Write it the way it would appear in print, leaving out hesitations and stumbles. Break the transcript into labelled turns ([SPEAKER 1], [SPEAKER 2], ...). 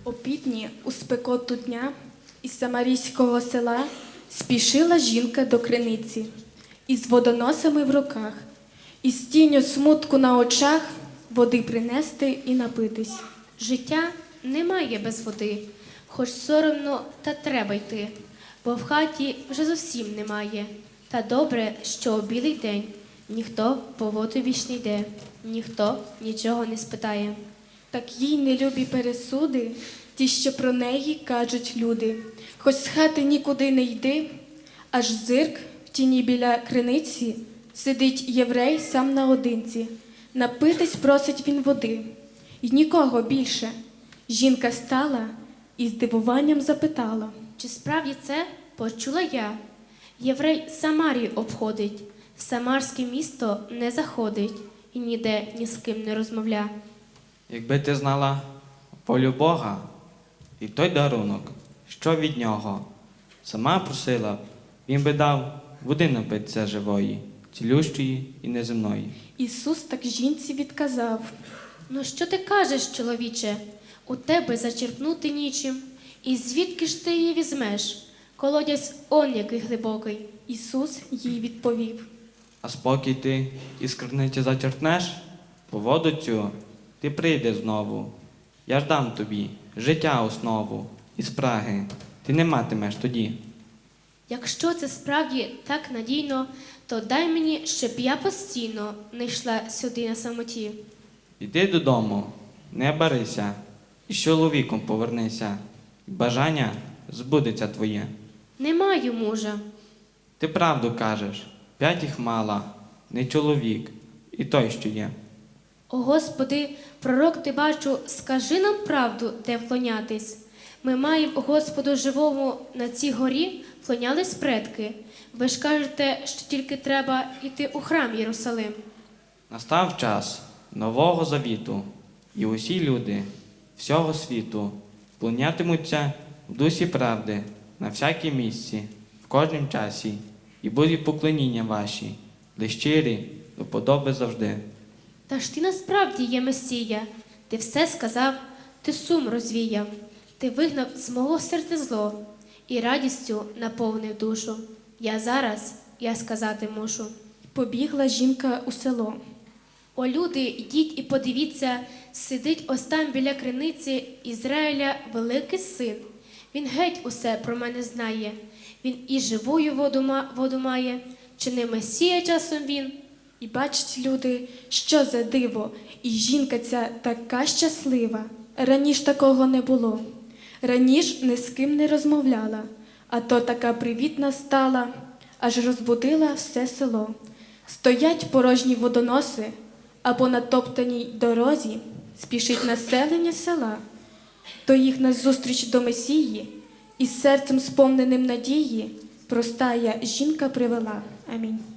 [SPEAKER 1] Опівдні у спекоту дня із самарійського села спішила жінка до криниці із водоносами в руках, із тінню смутку на очах води принести і напитись.
[SPEAKER 2] Життя немає без води, хоч соромно, та треба йти, бо в хаті вже зовсім немає. Та добре, що у білий день ніхто по воду більш не йде, ніхто нічого не спитає.
[SPEAKER 1] Так їй нелюбі пересуди, ті, що про неї кажуть люди. Хоч з хати нікуди не йди, аж зирк в тіні біля криниці сидить єврей сам наодинці. Напитись просить він води, й нікого більше. Жінка стала і з дивуванням запитала:
[SPEAKER 2] Чи справді це почула я? Єврей Самарію обходить, в самарське місто не заходить і ніде ні з ким не розмовля.
[SPEAKER 3] Якби ти знала волю Бога і той дарунок, що від нього, сама просила б, він би дав води напитися живої, цілющої і неземної.
[SPEAKER 1] Ісус так жінці відказав:
[SPEAKER 2] Ну що ти кажеш, чоловіче? У тебе зачерпнути нічим. І звідки ж ти її візьмеш? Колодязь он який глибокий.
[SPEAKER 1] Ісус їй відповів:
[SPEAKER 3] А спокій ти із криниці зачерпнеш, по воду цю ти прийдеш знову. Я ж дам тобі життя основу, і спраги ти не матимеш тоді.
[SPEAKER 2] Якщо це справді так надійно, то дай мені, щоб я постійно не йшла сюди на самоті.
[SPEAKER 3] Іди додому, не барися, і з чоловіком повернися, і бажання збудеться твоє.
[SPEAKER 2] Не маю мужа.
[SPEAKER 3] Ти правду кажеш, 5 їх мала, не чоловік, і той, що є.
[SPEAKER 2] О Господи, пророк ти бачу, скажи нам правду, де вклонятись. Ми маємо Господу живому на цій горі вклонялись предки. Ви ж кажете, що тільки треба йти у храм Єрусалим.
[SPEAKER 3] Настав час нового завіту, і усі люди всього світу вклонятимуться в дусі правди на всякій місці, в кожнім часі, і будуть поклоніння ваші, де щирі, до подоби завжди.
[SPEAKER 2] Та ж ти насправді є Месія, ти все сказав, ти сум розвіяв, ти вигнав з мого серця зло і радістю наповнив душу. Я сказати мушу.
[SPEAKER 1] Побігла жінка у село.
[SPEAKER 2] О, люди, йдіть і подивіться, сидить ось там біля криниці Ізраїля великий син. Він геть усе про мене знає. Він і живую воду має. Чи не Месія часом він?
[SPEAKER 1] І бачать люди, що за диво, і жінка ця така щаслива. Раніш такого не було. Раніш ні з ким не розмовляла, а то така привітна стала, аж розбудила все село. Стоять порожні водоноси, а по натоптаній дорозі спішить населення села. То їх назустріч до Месії, із серцем сповненим надії, простая жінка привела. Амінь.